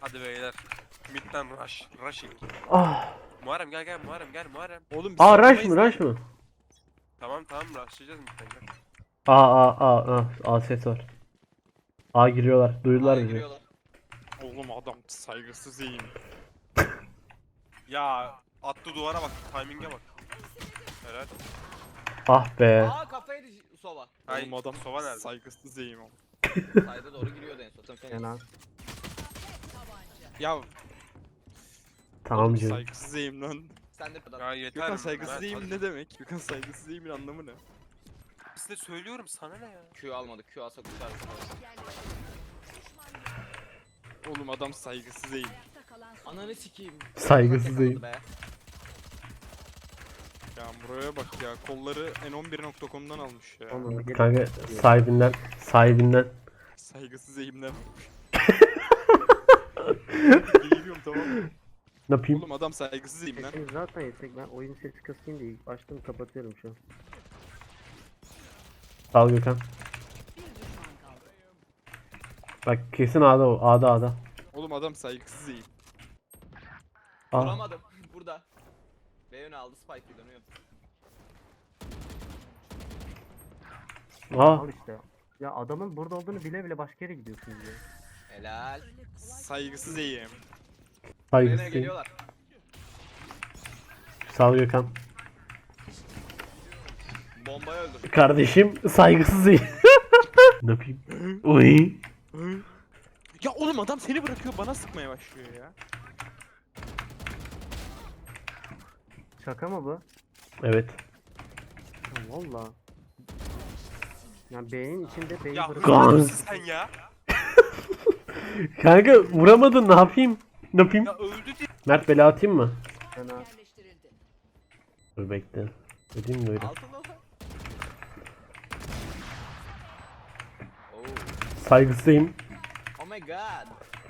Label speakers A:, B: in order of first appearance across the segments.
A: Hadi beyler. Mid'den rushing.
B: Ah.
A: Muharrem gel Muharrem gel Muharrem.
C: Oğlum biz
B: Aa rush
C: savunmayız
B: mı
C: lan.
B: rush mı?
A: Tamam rushlayacağız mid'den gel.
B: A ses var. A giriyorlar. Duydular
D: A'ya
B: bizi.
D: giriyorlar.
C: Oğlum adam saygısız iyiyim.
A: Ya attı duvara bak. Timing'e bak. Helal.
B: Ah be.
D: Aa kafayı sova.
A: Ay,
C: Oğlum adam
A: sova nerede?
C: saygısız iyiyim ama.
D: Sayda doğru giriyordu en son. Sen
B: Fena.
C: Ya
B: Tamam
C: oğlum
B: canım.
C: saygısız iyiyim lan.
D: Sen de kadar.
A: Ya yeter.
C: Gökhan saygısız
A: Mert,
C: iyiyim
A: hadi.
C: ne demek? Gökhan saygısız iyimin anlamı ne?
A: Size söylüyorum sana ne ya?
D: Q almadık. Q alsak uçarız.
C: Oğlum adam saygısız iyiyim.
D: Ananı sikeyim.
B: Saygısız değil.
D: Be.
C: Ya buraya bak ya kolları n11.com'dan almış ya.
B: Kanka sahibinden.
C: Saygısız eğimden. Geliyorum tamam mı?
B: Ne yapayım?
C: Oğlum adam saygısız eğim lan.
E: Sesini zaten yüksek. Ben oyun sesi kısayım diye açtım kapatıyorum şu an.
B: Sağ ol Gökhan. Bak kesin A'da o. A'da.
C: Oğlum adam saygısız eğim.
B: A.
D: Vuramadım. Burada. B yönü aldı. Spike dönüyor.
B: A.
E: Al işte. Ya adamın burada olduğunu bile bile başka yere gidiyorsunuz ya.
D: Helal.
C: Saygısız eğim.
B: Saygısız
D: Nereye
B: değil.
D: geliyorlar?
B: Sağ ol Gökhan.
D: Bombayı öldür.
B: Kardeşim saygısız değil. Ne yapayım? Uy.
C: Ya oğlum adam seni bırakıyor bana sıkmaya başlıyor ya.
E: Şaka mı bu?
B: Evet.
E: Ha, valla. Ya B'nin içinde B'yi
A: Ya
E: bırak.
B: Gans.
A: öldü müsün sen ya?
B: Kanka vuramadın ne yapayım? Ne yapayım?
A: Ya öldü diye.
B: Mert bela atayım mı?
E: Fena.
B: Dur bekle. Ödeyim mi öyle?
D: Altın o. Oh.
B: Saygısızım.
D: Oh my god.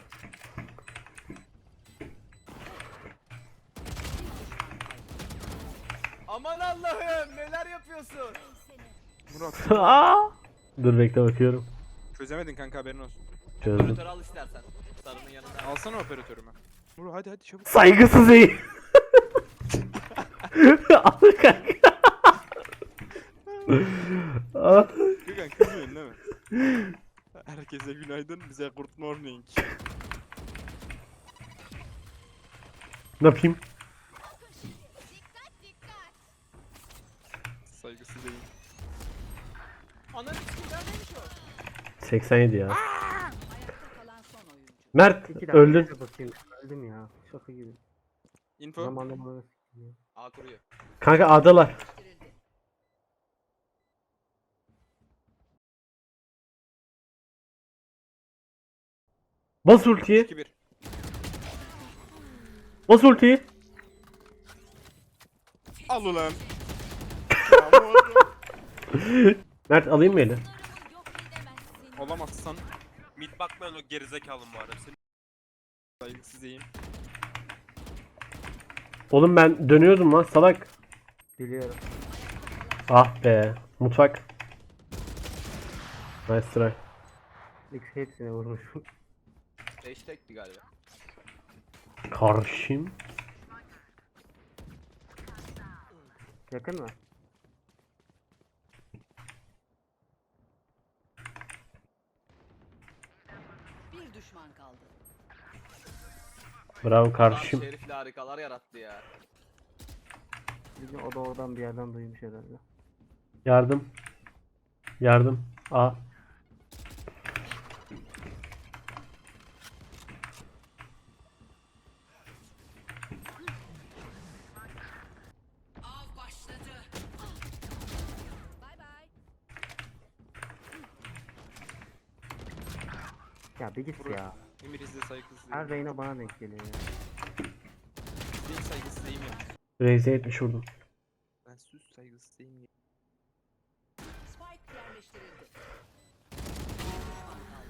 D: Aman Allah'ım neler yapıyorsun?
C: Murat
B: Aa! Dur bekle bakıyorum.
C: çözemedin kanka haberin olsun.
B: Çözdüm.
D: Operatör al istersen. Sarının yanında.
C: Alsana operatörümü. Murat hadi çabuk.
B: Saygısız iyi. Al kanka. Ah,
C: Gökhan kızmıyorsun değil mi? Herkese günaydın bize good morning.
B: ne yapayım?
C: Saygısız eğim.
D: Ananı sikeyim neredeymiş o?
B: 87 ya. Mert
E: 2 dakika
B: öldün.
E: önce bakayım. Öldüm ya. Şaka gibi.
C: Info.
E: Zamanla bana s**tim ya.
D: A kuruyor.
B: Kanka adalar. Bas ultiyi.
C: 2-1.
B: Bas ultiyi.
C: Al ulan. Ya Murat.
B: Mert alayım mı eli?
C: Olamazsan
A: Mid bakmayan o gerizekalı Muharrem. Senin
C: saygısız eğim.
B: Oğlum ben dönüyordum lan salak.
E: Biliyorum.
B: Ah be. Mutfak. Nice try.
E: X hepsine vurmuşum.
D: Hashtag'ti galiba.
B: Karşım.
E: Yakın mı?
F: Bir düşman kaldı.
B: Bravo
D: Adam
B: karşım.
D: şerifle harikalar yarattı ya.
E: Bizim o da oradan bir yerden duymuş herhalde.
B: Yardım. Yardım. A.
F: Av başladı. Bay bay.
E: Ya bir git ya.
C: Emir izle saygısız
E: Her
C: eğim.
E: Reyna bana denk geliyor ya.
C: Benim saygısız eğim ya.
B: Raze'e 70 vurdum.
C: Ben sus saygısız eğim ya.
F: Spike yerleştirildi. Bir düşman kaldı.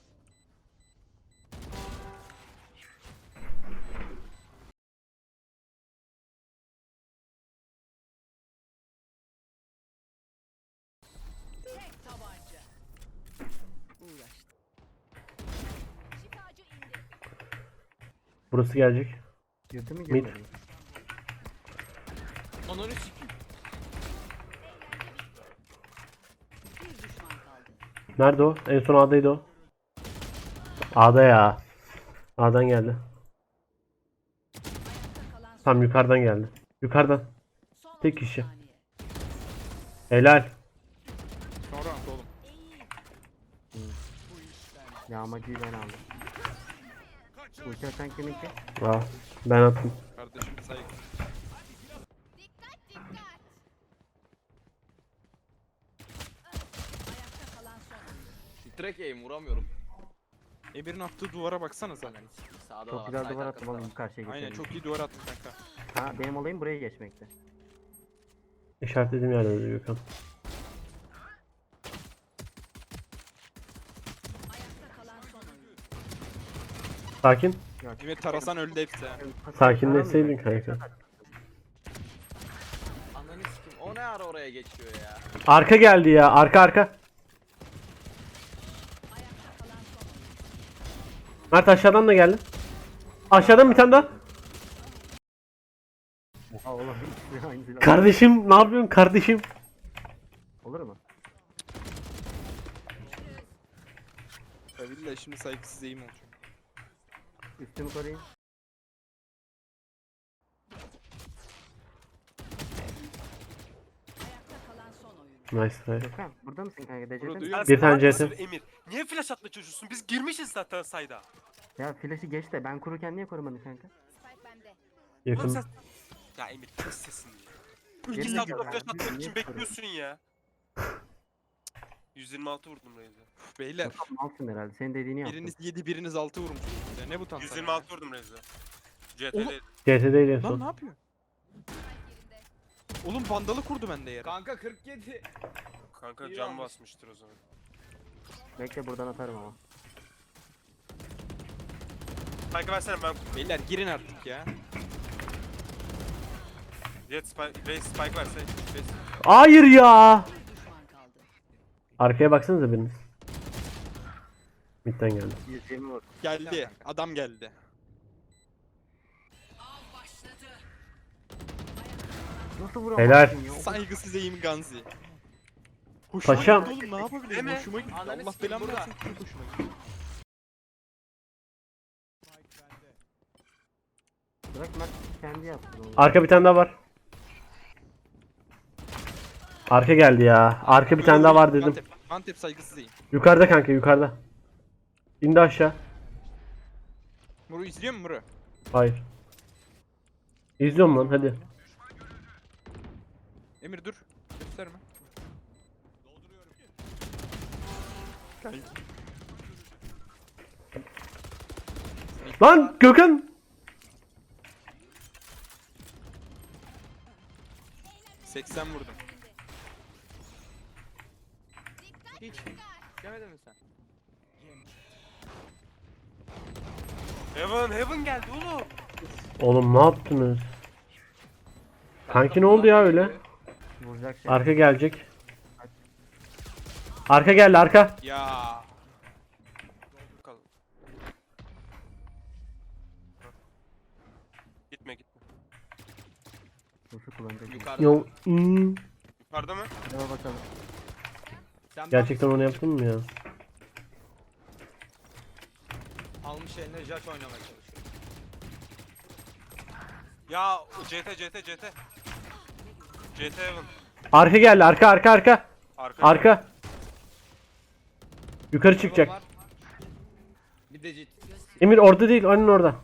F: Tek tabanca. Uğraştı. Şifacı indi.
B: Burası gelecek.
E: Girdi mi
B: Mid.
E: girmedi mi?
D: Ananı sikeyim.
F: Bir düşman kaldı.
B: Nerede o? En son A'daydı o. A'da ya. A'dan geldi.
F: Ayakta kalan son,
B: Tam yukarıdan geldi. Yukarıdan.
F: son
B: tek
F: 30
B: kişi.
F: saniye.
B: Helal.
C: Sonra oğlum.
E: Yağmacıyı ben aldım. Ulti atan kiminki?
B: Aa, ben attım.
C: Kardeşim saygı.
F: Ayakta kalan son.
D: Direkt aim vuramıyorum.
C: Emir'in attığı duvara baksana sen.
D: Ananı sikeyim. Sağda da
E: Çok
D: var.
E: güzel
D: side
E: duvar
D: arkası
E: attım
D: da
E: oğlum
D: var.
E: karşıya geçelim.
C: Aynen çok iyi duvar attın kanka.
E: Ha benim olayım buraya geçmekte.
B: İşaretlediğim yerde Gökhan.
F: Ayakta kalan son oyun.
B: Sakin.
C: Emir tarasan öldü hepsi ha.
B: Sakinleşseydin kanka.
D: Ananı sikeyim. O ne ara oraya geçiyor ya?
B: Arka geldi ya. Arka.
F: Ayakta kalan son oyun.
B: Mert aşağıdan da geldi. Aşağıdan bir tane daha.
E: Oha oğlum hiç aynı silah.
B: Kardeşim ne yapıyorsun kardeşim?
E: Olur mu?
C: Ya billahi şimdi saygısız eğim olacak.
E: Üstümü koruyayım.
F: Ayakta kalan son oyun.
B: Nice try.
E: Gökhan burada mısın kanka?
C: Burada
E: Derecede
C: duyuyor
E: misin?
B: Bir tane
A: Salak mısın
B: CT.
A: Emir. Niye flash atma çocuğusun? Biz girmişiz zaten sayda.
E: Ya flash'ı geç de ben kururken niye korumadın kanka?
A: Oğlum
B: Yakın.
A: sen... Ya Emir kes sesini ya. 2
E: Geri
A: saat
E: zekalı
A: flash
E: ya.
A: atmak için
E: Niye
A: bekliyorsun ya. 126 vurdum Reis'e.
C: Beyler.
E: Malsın herhalde. Senin dediğini yaptım.
C: Biriniz 7 biriniz 6 vurmuşsunuz ya. Ne bu tantana?
A: 126 vurdum Reis'e.
C: Oğlum.
A: CT'de
B: CT'deydi en
C: Lan ne
B: son.
C: yapıyor? Oğlum vandalı kurdu bende yere.
D: Kanka 47.
A: kanka
D: İyi
A: can
D: almış.
A: basmıştır o zaman.
E: Bekle buradan atarım ama.
A: Kanka versene ben
C: Beyler girin artık ya.
A: Jet Spike, Reis Spike verse. Reis.
B: Hayır ya.
F: Bir düşman kaldı.
B: Arkaya baksanıza biriniz. Mid'den geldi.
E: 120 vur.
C: Geldi. Adam geldi.
F: Av başladı.
E: Nasıl vuramazsın
B: Helal.
E: ya?
C: Saygısız eğim Ganzi. Hoşuma
B: Paşam.
C: gitti oğlum ne yapabilirim?
A: Değil mi?
C: Hoşuma gitti.
D: Ananı
C: Allah
D: sikeyim,
C: belamı
D: burada.
C: versin. Çok hoşuma gitti.
E: Bırak Mert kendi yapsın onu.
B: Arka bir tane daha var. Arka geldi ya. Arka bir tane daha var dedim.
C: Mantep, Mantep saygısız eğim.
B: Yukarıda kanka yukarıda. İndi aşağı.
C: Muru izliyor musun Muru?
B: Hayır. İzliyorum lan hadi.
C: Emir dur. Gösterme. Kanki.
B: Lan Gökhan.
C: 80 vurdum.
D: Hiç. Demedin mi sen?
A: Heaven geldi oğlum.
B: Oğlum ne yaptınız? Kanki ne oldu ya öyle?
E: Vuracak şey.
B: Arka gelecek. Arka geldi arka.
C: Ya.
A: Bakalım. Gitme gitme.
E: Nasıl kullanacak?
D: Yukarıda.
B: Yo.
A: Yukarıda mı?
E: Hadi bakalım.
D: Sen
B: Gerçekten onu yaptın mı ya?
D: almış eline Jack oynamaya çalışıyor.
A: Ya CT. CT Heaven.
B: Arka geldi arka.
A: Arka.
B: Arka. Yukarı çıkacak.
D: Var. Bir de jet.
B: Emir orada değil, onun orada.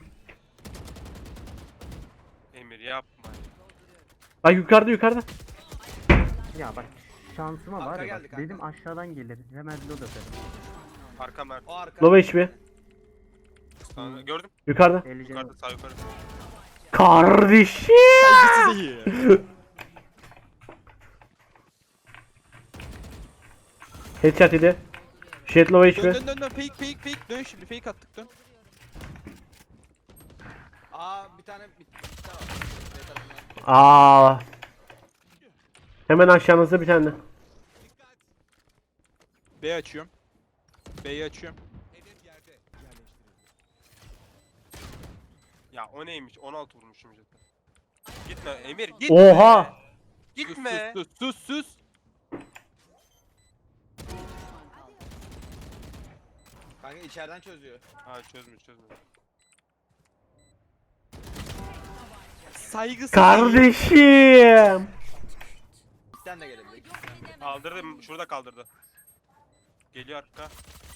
A: Emir yapma.
B: Bak yukarıda.
E: Ya bak şansıma var
D: Arka
E: ya
D: geldi
E: bak.
D: kanka.
E: Dedim aşağıdan gelir. Hemen load atarım.
A: Arka Mert.
D: O arka.
B: Low HP.
A: Sana- Gördüm.
B: Yukarıda.
E: 50 canı.
A: Yukarıda sağ yukarı.
B: Kardeşim.
C: Saygısız eğim.
B: Headshot yedi. Shit low
C: Dön
B: HP.
C: dön. Fake. Dön şimdi fake attık dön.
D: Aa bir tane var. B tarafından.
B: Aa. Hemen aşağınızda bir tane.
C: B açıyorum. B'yi açıyorum.
A: Ya o neymiş? 16 vurmuşum zaten. Gitme Emir gitme.
B: Oha!
A: Gitme.
C: Sus.
F: Düşman kaldı.
D: Kanka içeriden çözüyor.
A: Ha çözmüyor.
C: Saygısız.
B: Kardeşim!
D: Sen de gelebilir.
A: Kaldırdı. Şurada kaldırdı. Geliyor arka.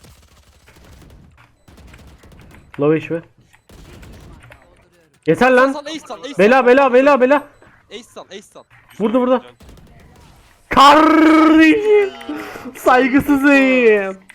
B: Low iş mi?
F: Dolduruyorum.
B: Yeter lan!
C: Sal ace sal ace sal.
B: Bela!
C: Ace sal.
B: Burada. Kardeşim! Saygısızım!